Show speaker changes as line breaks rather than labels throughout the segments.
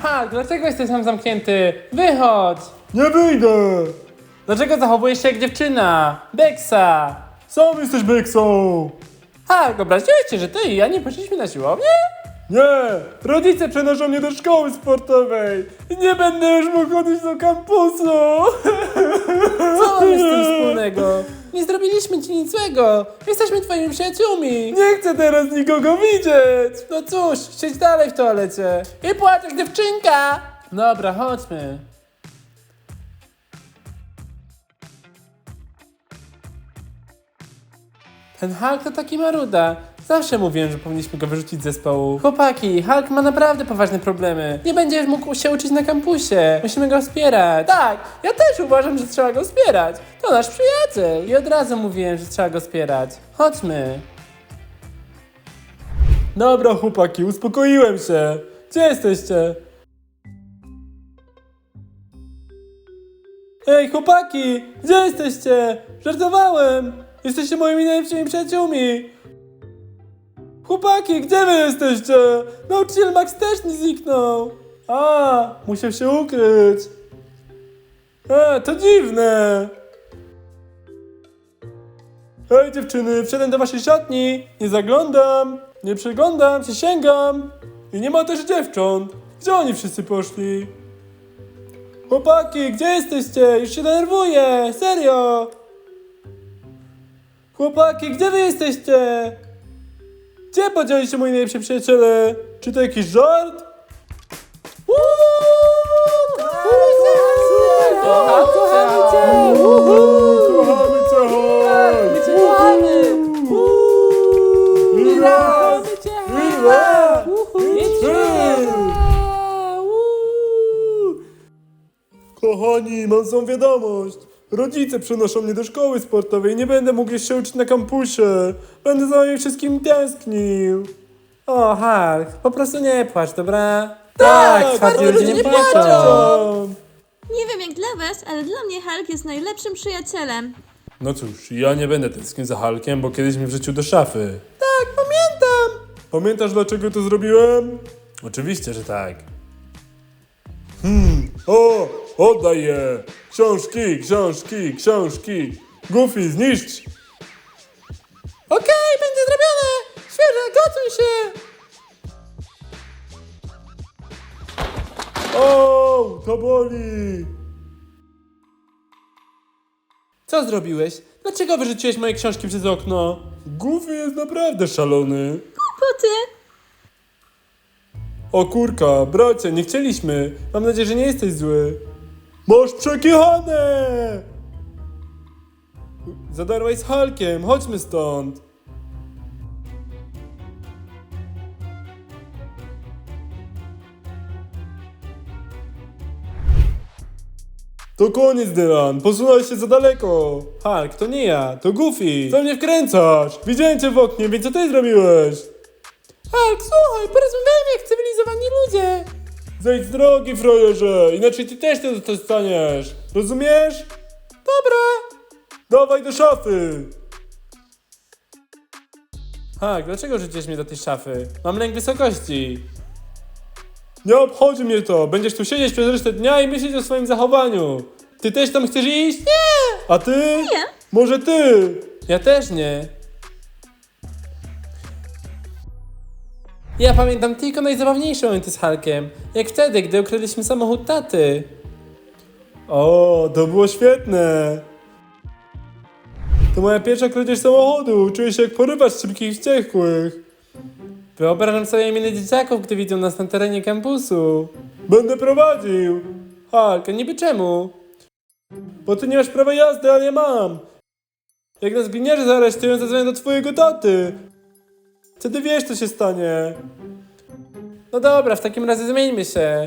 Hulk, dlaczego jesteś tam zamknięty? Wychodź!
Nie wyjdę!
Dlaczego zachowujesz się jak dziewczyna? Beksa!
Sam jesteś Beksą!
Hulk, obraziłeś cię, że ty i ja nie poszliśmy na siłownię?
Nie! Rodzice przenoszą mnie do szkoły sportowej! I nie będę już mógł chodzić do kampusu!
Co mamy z tym wspólnego? Nie zrobiliśmy ci nic złego. Jesteśmy twoimi przyjaciółmi.
Nie chcę teraz nikogo widzieć!
No cóż, siedź dalej w toalecie. I płacz jak dziewczynka. Dobra, chodźmy. Ten Hulk to taki maruda. Zawsze mówiłem, że powinniśmy go wyrzucić z zespołu. Chłopaki, Hulk ma naprawdę poważne problemy. Nie będziesz mógł się uczyć na kampusie. Musimy go wspierać. Tak, ja też uważam, że trzeba go wspierać. To nasz przyjaciel. I od razu mówiłem, że trzeba go wspierać. Chodźmy.
Dobra chłopaki, uspokoiłem się! Gdzie jesteście? Ej chłopaki! Gdzie jesteście? Żartowałem! Jesteście moimi najlepszymi przyjaciółmi! Chłopaki, gdzie wy jesteście? Nauczyciel Max też nie zniknął! A, musiał się ukryć! To dziwne! Hej dziewczyny, wszedłem do waszej szatni! Nie zaglądam! Nie przeglądam, przysięgam! I nie ma też dziewcząt! Gdzie oni wszyscy poszli? Chłopaki, gdzie jesteście? Już się denerwuję! Serio! Chłopaki, gdzie wy jesteście? Gdzie podzieli się moi najlepsi przyjaciele? Czy to jakiś żart?
Kochamy cię!
Kochamy cię!
My cię kochamy!
Ira! Ira! Kochani, mam złą wiadomość. Rodzice przenoszą mnie do szkoły sportowej i nie będę mógł jeszcze się uczyć na kampusie. Będę za wami wszystkim tęsknił.
O, Hulk, po prostu nie płacz, dobra?
Tak,
twardzi ludzie nie płaczą.
płaczą.
Nie wiem jak dla was, ale dla mnie Hulk jest najlepszym przyjacielem.
No cóż, ja nie będę tęsknił za Hulkiem, bo kiedyś mnie wrzucił do szafy. Tak, pamiętam! Pamiętasz dlaczego to zrobiłem? Oczywiście, że tak. O! Oddaj je! Książki, książki, książki! Goofy, zniszcz!
Okej, będzie zrobione! Świeże, gotuj się!
O! To boli!
Co zrobiłeś? Dlaczego wyrzuciłeś moje książki przez okno?
Goofy jest naprawdę szalony.
Kłopoty!
O kurka, bracie, nie chcieliśmy. Mam nadzieję, że nie jesteś zły. Masz przekichane! Zadarłeś z Hulkiem, chodźmy stąd. To koniec, Dylan, posunąłeś się za daleko.
Hulk, to nie ja, to Goofy.
Co mnie wkręcasz? Widziałem cię w oknie, więc co ty zrobiłeś?
Hulk, słuchaj, porozmawiajmy jak cywilizowani ludzie.
Zejdź z drogi, frajerze, inaczej ty też to dostaniesz. Rozumiesz?
Dobra.
Dawaj do szafy.
Hulk, dlaczego rzuciłeś mnie do tej szafy? Mam lęk wysokości.
Nie obchodzi mnie to. Będziesz tu siedzieć przez resztę dnia i myśleć o swoim zachowaniu. Ty też tam chcesz iść? Nie! A ty?
Nie.
Może ty?
Ja też nie. Ja pamiętam tylko najzabawniejsze momenty z Hulkiem. Jak wtedy, gdy ukradliśmy samochód taty.
O, to było świetne. To moja pierwsza kradzież samochodu. Czuję się jak porywacz szybkich wściekłych.
Wyobrażam sobie miny dzieciaków, gdy widzą nas na terenie kampusu.
Będę prowadził.
Hulk, a niby czemu?
Bo ty nie masz prawa jazdy, ale ja mam. Jak nas gliniarze zaaresztują, zadzwonię do twojego taty. Wtedy wiesz, co się stanie.
No dobra, w takim razie zmieńmy się.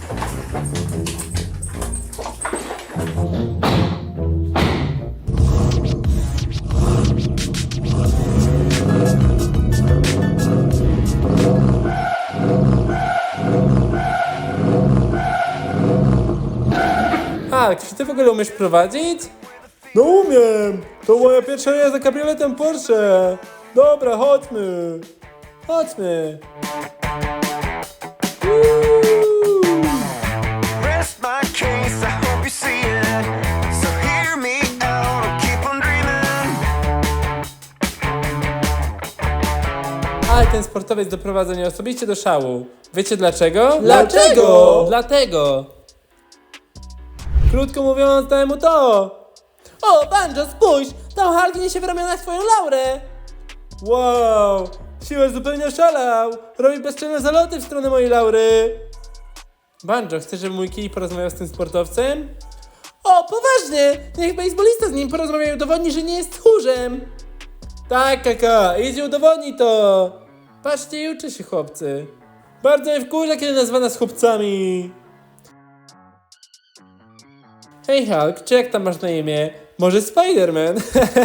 Hulk, czy ty w ogóle umiesz prowadzić?
No umiem. To moja pierwsza jazda kabrioletem Porsche. Dobra, chodźmy.
Chodźmy.
Uuu.
ten sportowiec doprowadza mnie osobiście do szału. Wiecie dlaczego?
Dlaczego?
Dlatego. Krótko mówiąc, dałem mu to. O, Banjo, spójrz! Tam Hulk niesie w ramionach twoją laurę.
Wow, siłę zupełnie oszalał. Robi bezczelne zaloty w stronę mojej laury.
Banjo, chcesz, żeby mój kij porozmawiał z tym sportowcem? O, poważnie! Niech baseballista z nim porozmawia i udowodni, że nie jest tchórzem. Tak, kaka, idź udowodnij to. Patrzcie i uczy się, chłopcy.
Bardzo mnie wkurza, kiedy nazywa nas chłopcami.
Hej Hulk, czy jak tam masz na imię? Może Spider-Man?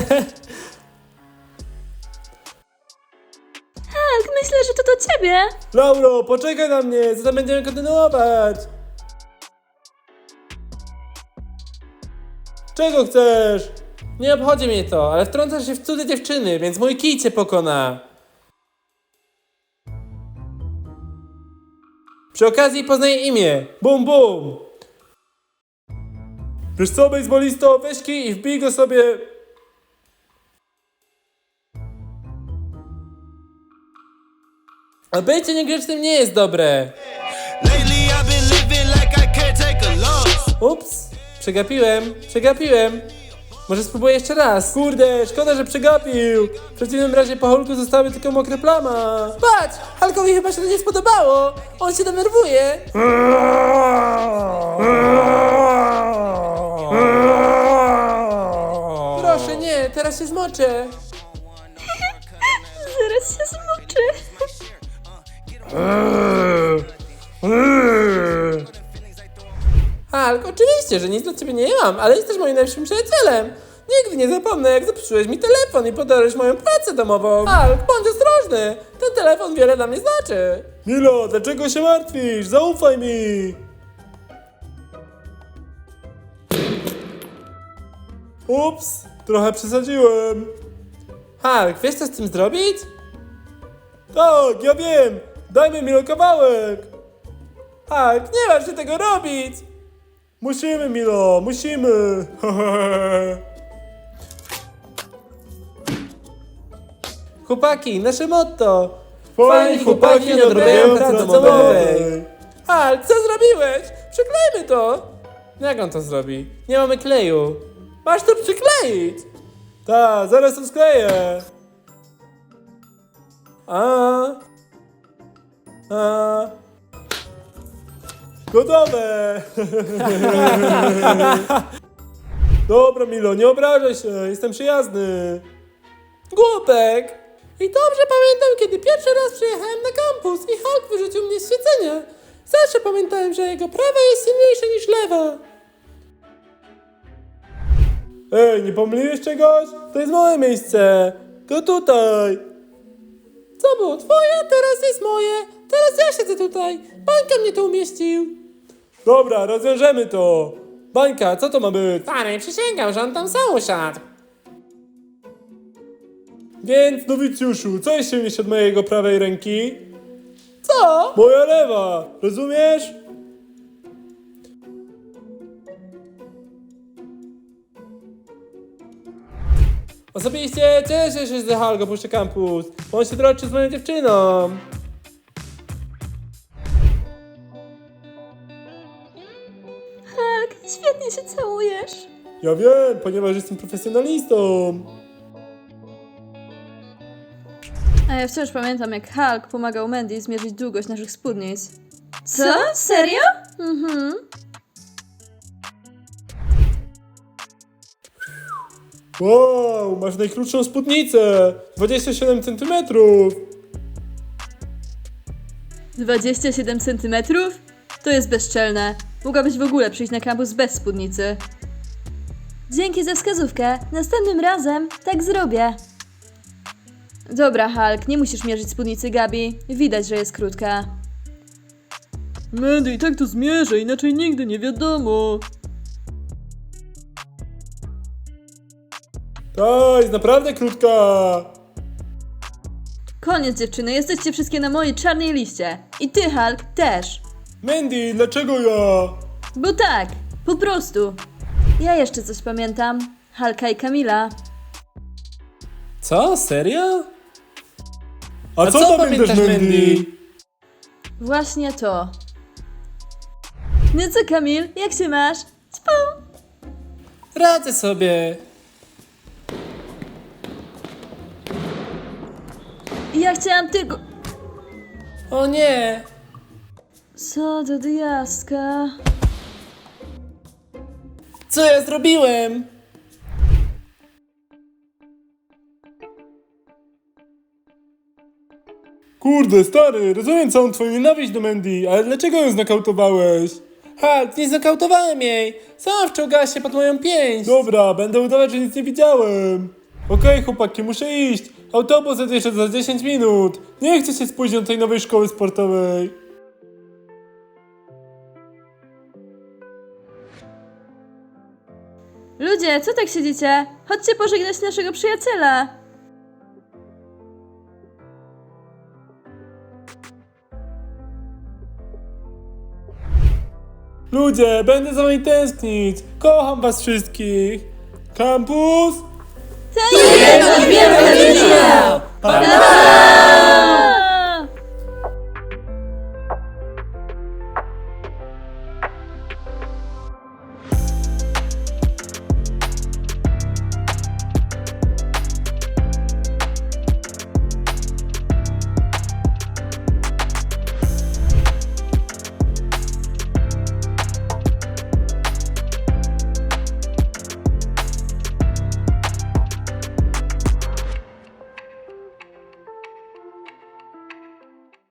Hulk, myślę, że to do ciebie.
Lauro, poczekaj na mnie, zatem będziemy kontynuować. Czego chcesz?
Nie obchodzi mnie to, ale wtrącasz się w cudze dziewczyny, więc mój kij cię pokona. Przy okazji poznaję imię.
Bum, bum. Wiesz co, bejsbolisto, weź kij i wbij go sobie...
A bycie niegrzecznym nie jest dobre.
Lately I've been living like I can't take a loss.
Ups, przegapiłem. Może spróbuję jeszcze raz.
Kurde, szkoda, że przegapił. W przeciwnym razie po Hulku zostały tylko mokre plama.
Patrz, Hulkowi chyba się to nie spodobało. On się denerwuje. Proszę, nie, teraz się zmoczę.
Zaraz się zmoczy.
Hulk, oczywiście, że nic dla ciebie nie mam, ale jesteś moim najlepszym przyjacielem. Nigdy nie zapomnę, jak zepsułeś mi telefon i podarłeś moją pracę domową. Hulk, bądź ostrożny. Ten telefon wiele dla mnie znaczy.
Milo, dlaczego się martwisz? Zaufaj mi. Ups, trochę przesadziłem.
Hulk, wiesz co z tym zrobić?
Tak, ja wiem. Dajmy Milo kawałek.
Hulk, nie masz się tego robić.
Musimy, Milo, musimy.
Chłopaki, nasze motto.
Fajni chłopaki nie odrobiają pracy domowej.
Hulk, co zrobiłeś? Przyklejmy to. Jak on to zrobi? Nie mamy kleju. Masz to przykleić.
Tak, zaraz to skleję. Gotowe. Dobra, Milo, nie obrażaj się, jestem przyjazny.
Głupek. I dobrze pamiętam, kiedy pierwszy raz przyjechałem na kampus i Hulk wyrzucił mnie z siedzenia. Zawsze pamiętałem, że jego prawa jest silniejsze niż lewa.
Ej, nie pomyliłeś czegoś? To jest moje miejsce. To tutaj.
Co było twoje, teraz jest moje. Teraz ja siedzę tutaj. Bańka mnie tu umieścił.
Dobra, rozwiążemy to. Bańka, co to ma być?
Stary, przysięgam, że on tam sam usiadł.
Więc, nowicjuszu, co jest silniejsze od mojego prawej ręki?
Co?
Moja lewa, rozumiesz?
Osobiście cieszę się, że Hulk opuszcza kampus. On się troczy z moją dziewczyną.
Hulk, świetnie się całujesz.
Ja wiem, ponieważ jestem profesjonalistą.
A ja wciąż pamiętam, jak Hulk pomagał Mandy zmierzyć długość naszych spódnic. Co? Serio? Mhm.
Wow, masz najkrótszą spódnicę. 27 cm.
27 centymetrów? To jest bezczelne. Mogłabyś w ogóle przyjść na kampus bez spódnicy. Dzięki za wskazówkę. Następnym razem tak zrobię. Dobra, Hulk, nie musisz mierzyć spódnicy Gabi. Widać, że jest krótka.
Mandy i tak to zmierzę, inaczej nigdy nie wiadomo.
Ta jest naprawdę krótka.
Koniec, dziewczyny. Jesteście wszystkie na mojej czarnej liście. I ty, Hulk, też.
Mandy, dlaczego ja?
Bo tak, po prostu. Ja jeszcze coś pamiętam. Hulka i Kamila.
Co? Serio?
A co pamiętasz, Mandy?
Właśnie to. No co, Kamil, jak się masz? Spał.
Radzę sobie.
Ja chciałam tylko...
O nie.
Co do diaska?
Co ja zrobiłem?
Kurde, stary, rozumiem całą twoją nienawiść do Mandy, ale dlaczego ją znokautowałeś?
Hulk, nie znokautowałem jej. Sama wczołgała się pod moją pięść.
Dobra, będę udawać, że nic nie widziałem. Okej, chłopaki, muszę iść. Autobus odjeżdża za 10 minut. Nie chcę się spóźnić do tej nowej szkoły sportowej.
Ludzie, co tak siedzicie? Chodźcie pożegnać naszego przyjaciela.
Ludzie, będę za wami tęsknić. Kocham was wszystkich. Kampus?
To jest wielka rodzina! Pa, pa!